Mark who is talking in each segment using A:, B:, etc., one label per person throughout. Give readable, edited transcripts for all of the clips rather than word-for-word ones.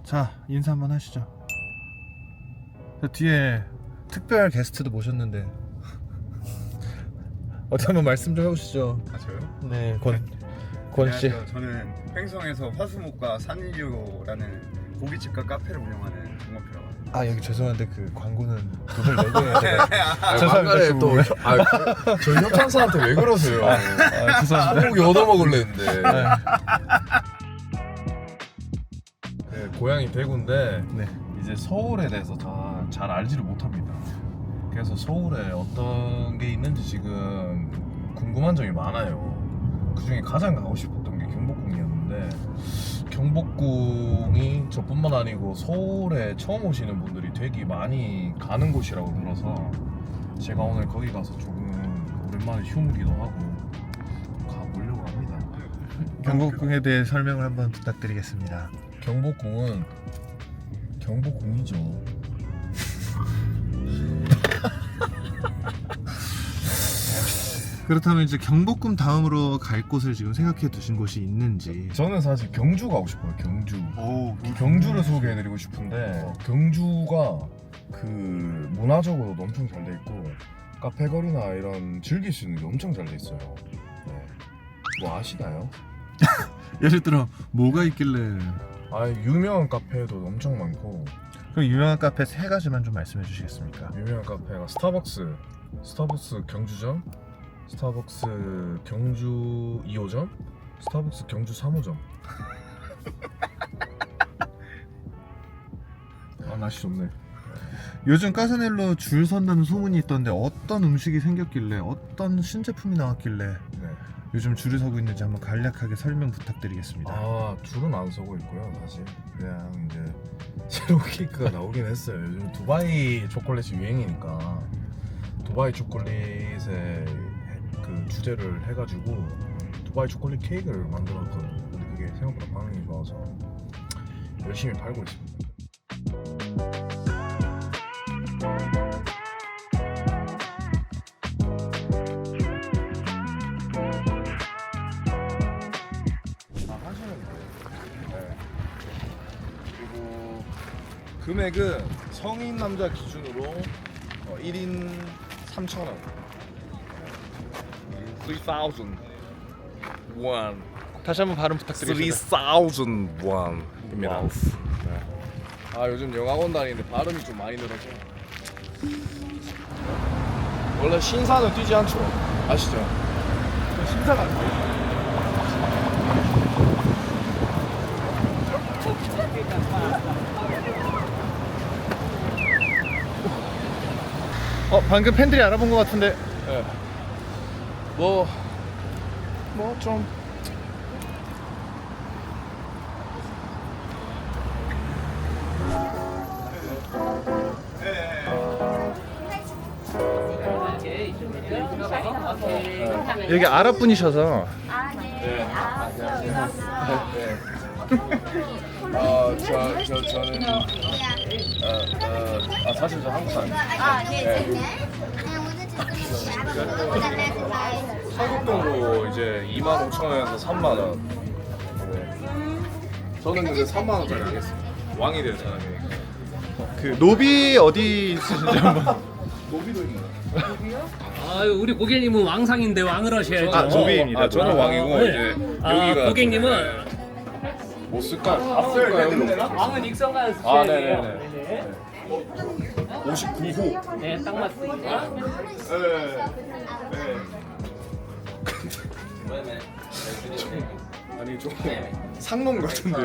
A: 자, 인사 한번 하시죠. 저 뒤에 특별 게스트도 모셨는데 어떻게 한번 말씀 좀 해보시죠.
B: 아 저요?
A: 네, 권씨.
B: 안녕하세요. 저는 횡성에서 화수목과 산일류라는 고깃집과 카페를 운영하는 종업이라고 합니다.
A: 아, 여기 죄송한데 그 광고는 돈을 내고 해야 돼요.
C: 막간에
A: 죄송합니다.
C: 또 저 협찬사한테 왜 그러세요?
A: 아, 죄송합니다.
C: 소고기 얻어먹을랬는데. 네, 고향이 대구인데
A: 네.
C: 이제 서울에 대해서 다 잘 알지를 못합니다. 그래서 서울에 어떤 게 있는지 지금 궁금한 점이 많아요. 그 중에 가장 가고 싶었던 게 경복궁이었는데 경복궁이 저뿐만 아니고 서울에 처음 오시는 분들이 되게 많이 가는 곳이라고 들어서 제가 오늘 거기 가서 조금 오랜만에 휴무기도 하고 가보려고 합니다.
A: 경복궁에 대해 설명을 한번 부탁드리겠습니다.
C: 경복궁은 경복궁이죠.
A: 그렇다면 이제 경복궁 다음으로 갈 곳을 지금 생각해 두신 곳이 있는지.
C: 저는 사실 경주 가고 싶어요. 경주.
A: 오,
C: 경주를 소개해드리고 싶은데 경주가 그 문화적으로도 엄청 잘 돼 있고 카페 거리나 이런 즐길 수 있는 게 엄청 잘 돼 있어요. 네. 뭐 아시나요?
A: 예를 들어 뭐가 있길래?
C: 아 유명한 카페도 엄청 많고
A: 그 유명한 카페 세 가지만 좀 말씀해 주시겠습니까?
C: 유명한 카페가 스타벅스 경주점, 스타벅스 경주 2호점, 스타벅스 경주 3호점. 아 날씨 좋네.
A: 요즘 까사넬로 줄 선다는 소문이 있던데 어떤 음식이 생겼길래 어떤 신제품이 나왔길래
C: 네.
A: 요즘 줄을 서고 있는지 한번 간략하게 설명 부탁드리겠습니다.
C: 아 줄은 안 서고 있고요. 사실 그냥 이제 새로운 케이크가 나오긴 했어요. 요즘 두바이 초콜릿이 유행이니까 두바이 초콜릿에 그 주제를 해가지고 두바이 초콜릿 케이크를 만들었거든요. 근데 그게 생각보다 반응이 좋아서 열심히 팔고 있습니다. 하시면 돼요. 네. 그리고 금액은 성인 남자 기준으로 1인 3,000원. 3,000 원.
A: 다시 한번 발음 부탁드리겠습니다.
C: 3,000 원입니다. 네. 아 요즘 영화관 다니는데 발음이 좀 많이 늘어서. 원래 신사는 뛰지 않죠. 아시죠? 신사가 안 돼요.
A: 방금 팬들이 알아본 것 같은데.
C: 네. 좀
A: 여기 아랍 분이셔서.
C: 저는 사실 저 한국 사람. 한국돈으로 이제 25,000원에서 3만원. 저는 근데 3만원짜리 하겠습니다. 왕이 될 사람이니까.
A: 그 노비 어디 있으신지 한번.
C: 노비도 있나요?
D: 아유 우리 고객님은 왕상인데 왕을 하셔야죠.
A: 아, 노비입니다.
C: 아, 저는 왕이고
D: 네.
C: 이제
D: 아,
C: 여기가
D: 고객님은
C: 못 쓸까요? 다 쓸까요?
D: 왕은 익성가요.
C: 아, 네네네. 59호.
D: 네, 딱 맞습니다.
C: 아니 좀 상놈 같은데요?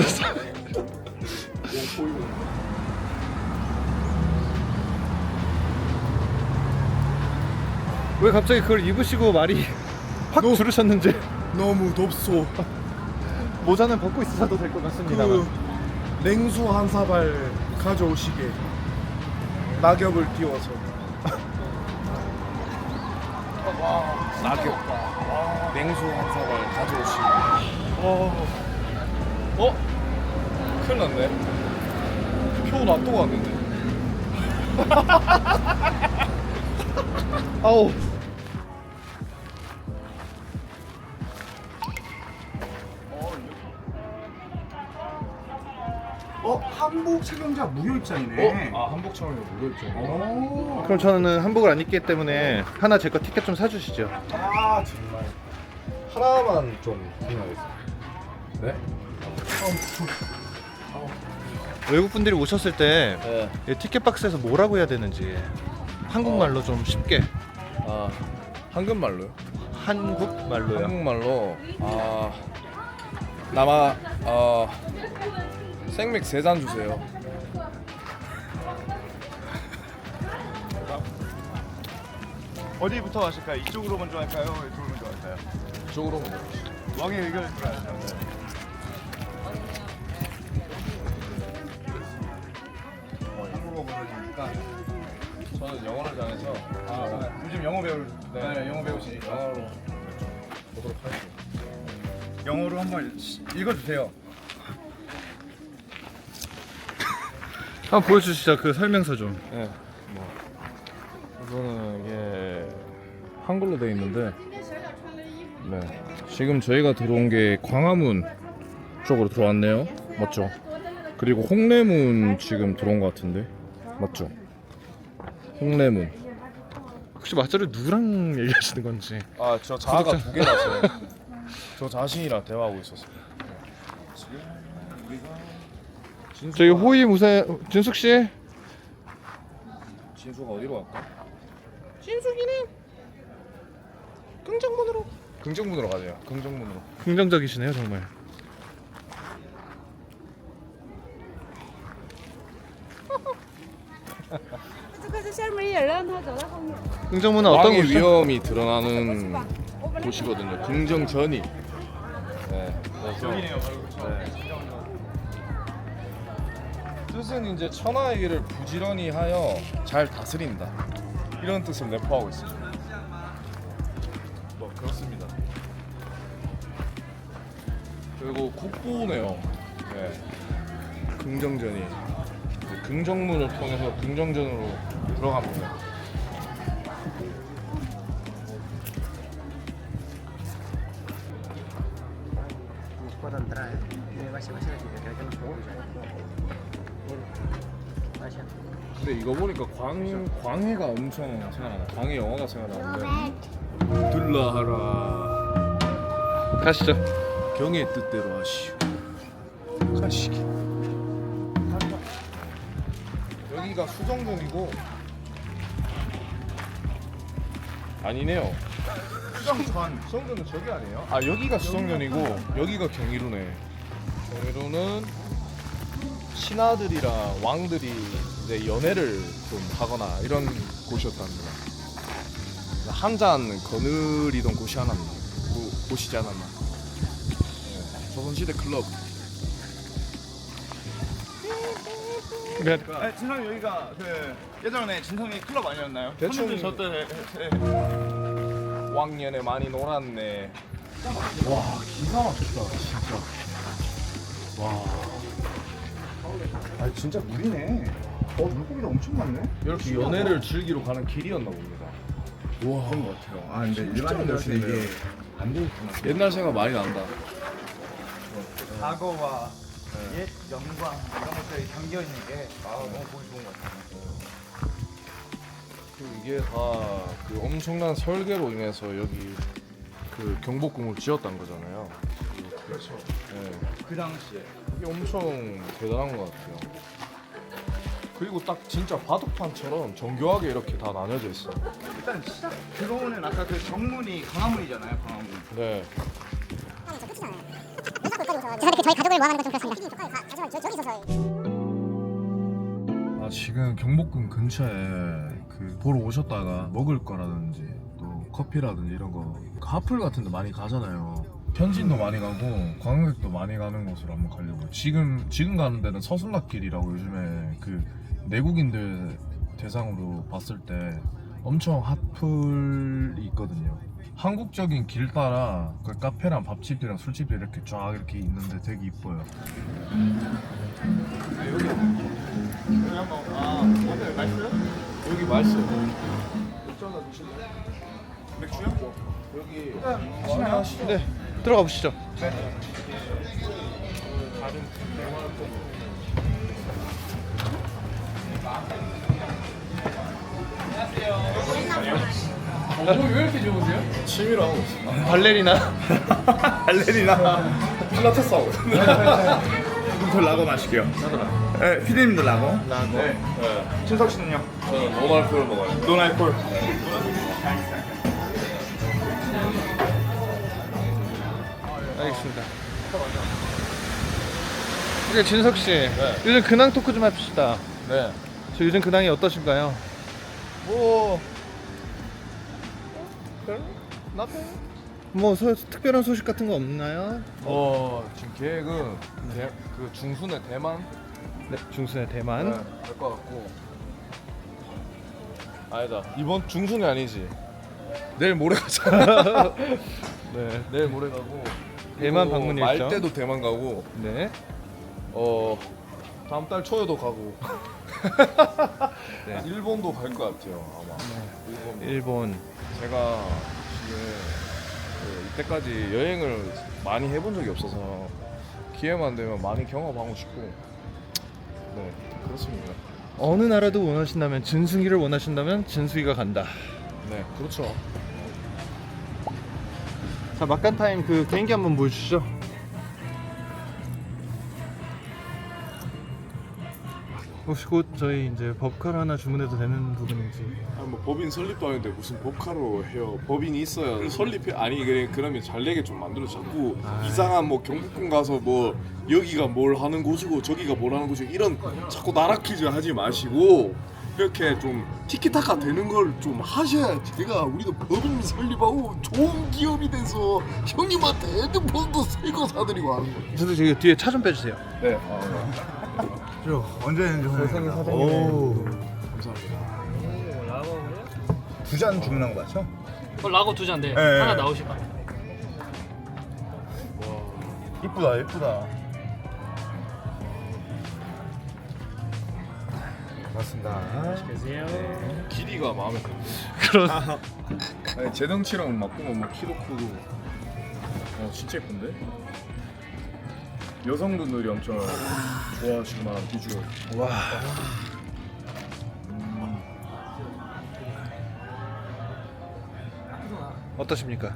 A: 왜 갑자기 그걸 입으시고 말이 확 줄으셨는지.
C: 너무 덥소.
A: 모자는 벗고 있어도 될 것 같습니다만.
C: 그 냉수 한 사발 가져오시게. 낙엽을 띄워서. 낙엽. 냉수 한 사발 가져오시게. 큰일 났네. 표 놔두고 왔는데.
A: 아우.
B: 한복 착용자 무료 입장이네.
C: 한복 촬영이 무료였죠.
A: 그럼 저는 한복을 안 입기 때문에 하나 제 거 티켓 좀 사주시죠.
C: 아 정말 하나만 좀 구매하겠습니다. 네?
A: 외국 분들이 오셨을 때
C: 네.
A: 이 티켓 박스에서 뭐라고 해야 되는지 한국말로 좀 쉽게.
C: 한국말로요?
A: 한국말로요.
C: 한국말로 남아 생맥 3잔 주세요.
B: 어디부터 하실까요? 이쪽으로 먼저 할까요? 이쪽으로 먼저 할까요?
C: 이쪽으로 먼저.
B: 왕의 의견을 들어야죠. 한국어 모르시니까
C: 저는 영어를 잘해서
B: 요즘 영어 영어 배우시니까
C: 영어로 보도록 하겠습니다.
B: 영어로 한번 읽어주세요.
A: 한번 보여주시죠. 그 설명서 좀.
C: 네, 우선은 이게 한글로 되어 있는데, 네, 지금 저희가 들어온 게 광화문 쪽으로 들어왔네요. 맞죠? 그리고 홍례문 지금 들어온 것 같은데, 맞죠? 홍례문.
A: 혹시 맞자를 누구랑 얘기하시는 건지.
C: 저 자아가 2개라서 저 자신이랑 대화하고 있었어요.
A: 저희 호위 무사 준숙 씨.
C: 진수가 어디로 갈까? 진숙이는 긍정문으로 가세요. 긍정문으로.
A: 긍정적이시네요 정말. 긍정문은 어떤
C: 왕의
A: 곳이죠?
C: 위험이 드러나는 곳이거든요. 긍정전이. 네.
B: 여기네요.
C: 뜻은 이제 천하의 일을 부지런히 하여 잘 다스린다. 이런 뜻을 내포하고 있습니다. 그렇습니다. 그리고 국보네요. 네. 긍정전이. 긍정문을 통해서 긍정전으로 들어갑니다.
E: puedo entrar, ¿eh? Va a ser así, creo que no puedo. Vaya.
C: 근데 이거 보니까 광해가 엄청 생각나네. 광해 영화가 생각나는데. 들라하라.
A: 가시죠.
C: 경의 뜻대로 하시오. 가시기. 여기가 수정전이고 아니네요. 수정전은 저기 아니에요? 여기가 수정전이고 여기가 경이루네. 경이루는 신하들이랑 왕들이 이제 연애를 좀 하거나 이런 곳이었답니다. 한 잔 거느리던 곳이 곳이지 않았나. 네, 조선시대 클럽.
B: 진성이 여기가 그 예전에 진성이 클럽 아니었나요?
C: 대충-
B: 손님들 저때
C: 왕년에 많이 놀았네. 와 기가 막혔다 진짜. 와.
B: 아 진짜 물이네. 물고기도 엄청 많네.
C: 이렇게 연애를 즐기러 가는 길이었나 봅니다. 와 그런 것 같아요.
B: 근데 일반인들한테 이게 안 되겠구나.
C: 옛날 생각 많이 난다.
B: 과거와 옛 영광 이런 것들이 담겨 있는 게 너무 보기 좋은 것 같아요.
C: 그리고 이게 다 그 엄청난 설계로 인해서 여기 그 경복궁을 지었다는 거잖아요. 그렇죠. 네.
B: 그 당시에
C: 이게 엄청 대단한 것 같아요. 그리고 딱 진짜 바둑판처럼 정교하게 이렇게 다 나뉘어져 있어.
B: 일단 시작 들어오는 아까 그 정문이 광화문이잖아요. 광화문.
C: 네.
F: 죄송한데 저희 가족을 모아가는 건 좀 그렇습니다. 저기 있어서.
C: 지금 경복궁 근처에 그 보러 오셨다가 먹을 거라든지 또 커피라든지 이런 거 하플 같은 데 많이 가잖아요. 현지인도 많이 가고 관광객도 많이 가는 곳으로 한번 가려고. 지금 가는 데는 서순락길이라고 요즘에 그 내국인들 대상으로 봤을 때 엄청 핫플이 있거든요. 한국적인 길 따라 그 카페랑 밥집이랑 술집이 이렇게 쫙 이렇게 있는데 되게 이뻐요.
B: 여기 한번 오늘 맛있어요?
C: 여기 맛있어요. 맥주 하나 드실래요?
B: 맥주요?
C: 여기
A: 네, 들어가 보시죠.
C: 다른
D: 왜 이렇게 좋으세요?
C: 취미로 하고 있어.
A: 발레리나.
B: 발레리나 필라테스 하고 저 라고 마실게요. 네, 피디님도 라고.
C: 네.
B: 친석 씨는요?
C: 저는 노말콜 먹어요.
B: 노날콜.
A: 알겠습니다. 그래 진석 씨, 요즘 근황 토크 좀 합시다.
C: 네.
A: 저 요즘 근황이 어떠신가요? 뭐 특별한 소식 같은 거 없나요?
C: 지금 계획은 그 중순에 대만
A: 네, 중순에 대만.
C: 갈 것 같고. 아니다. 이번 중순이 아니지. 내일 모레 가잖아. 네, 내일 모레 가고.
A: 대만
C: 그리고
A: 방문
C: 말
A: 일정.
C: 때도 대만 가고.
A: 네.
C: 다음 달 초에도 가고.
A: 네.
C: 일본도 갈 것 같아요. 아마.
A: 일본.
C: 제가 지금 이때까지 여행을 많이 해본 적이 없어서 기회만 되면 많이 경험하고 싶고. 네, 그렇습니다.
A: 어느 나라도 원하신다면 진승이를 원하신다면 진수이가 간다.
C: 네, 그렇죠.
A: 자 막간 타임 그 개인기 한번 보여주시죠. 혹시 곧 저희 이제 법카를 하나 주문해도 되는 부분인지.
C: 뭐 법인 설립도 하는데 무슨 법카로 해요? 법인이 있어야 설립해. 아니 그러면 잘 되게 좀 만들어. 자꾸 이상한 뭐 경복궁 가서 뭐 여기가 뭘 하는 곳이고 저기가 뭘 하는 곳이고 이런 자꾸 나라 퀴즈 하지 마시고 이렇게 좀 티키타카 되는 걸 좀 하셔야지. 내가 우리도 법인 설립하고 좋은 기업이 돼서 형님한테 핸드폰도 새거 사드리고 하는 거예요.
A: 저도 저기 뒤에 차 좀 빼주세요.
C: 네.
B: 저 언제든지
A: 세상에
B: 환영합니다.
A: 사장님.
C: 감사합니다.
B: 두 잔 주문한 거 맞죠?
D: 라고 두 잔데
B: 네.
D: 하나 나오실 거.
B: 이쁘다 이쁘다. 맞습니다.
D: 계세요.
C: 길이가 마음에 드는데.
B: 아니, 제 덩치랑 맞고
C: 뭐 키도 크고. 진짜 예쁜데? 여성분들이 엄청 좋아하실 만한 비주얼.
A: 와. 어떠십니까?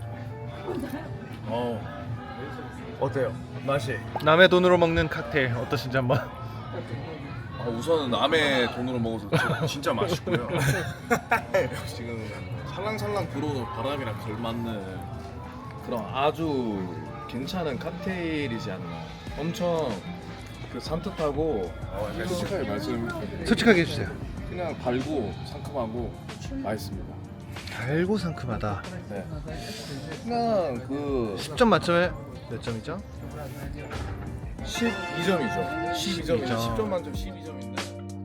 B: 어때요? 맛이?
A: 남의 돈으로 먹는 칵테일 어떠신지 한번.
C: 우선은 남의 돈으로 먹어서 진짜 맛있고요. 지금 살랑살랑 불어오는 바람이랑 걸맞는 그런 아주 괜찮은 칵테일이지 않나. 엄청 그 산뜻하고 솔직하게 말씀.
A: 솔직하게 해주세요.
C: 그냥 달고 상큼하고 맛있습니다.
A: 달고 상큼하다.
C: 네. 그냥 그
A: 10점 만점에 몇 점이죠?
C: 12점이죠. 12점이죠. 10점 만점 12점인데.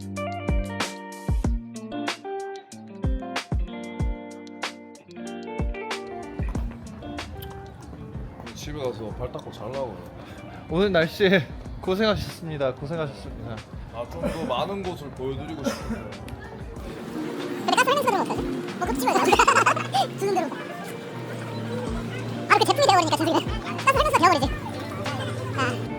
C: 집에 가서 발 닦고 자려고요.
A: 오늘 날씨에 고생하셨습니다. 고생하셨습니다.
C: 좀 더 많은 곳을 보여드리고 싶은데.
F: 근데 가스 설명서 들은 거 없어요? 그거 찍어야 돼. 주는 대로. 아, 이렇게 제품이 되어버리니까 진수이는 가스 설명서 되어버리지. 아.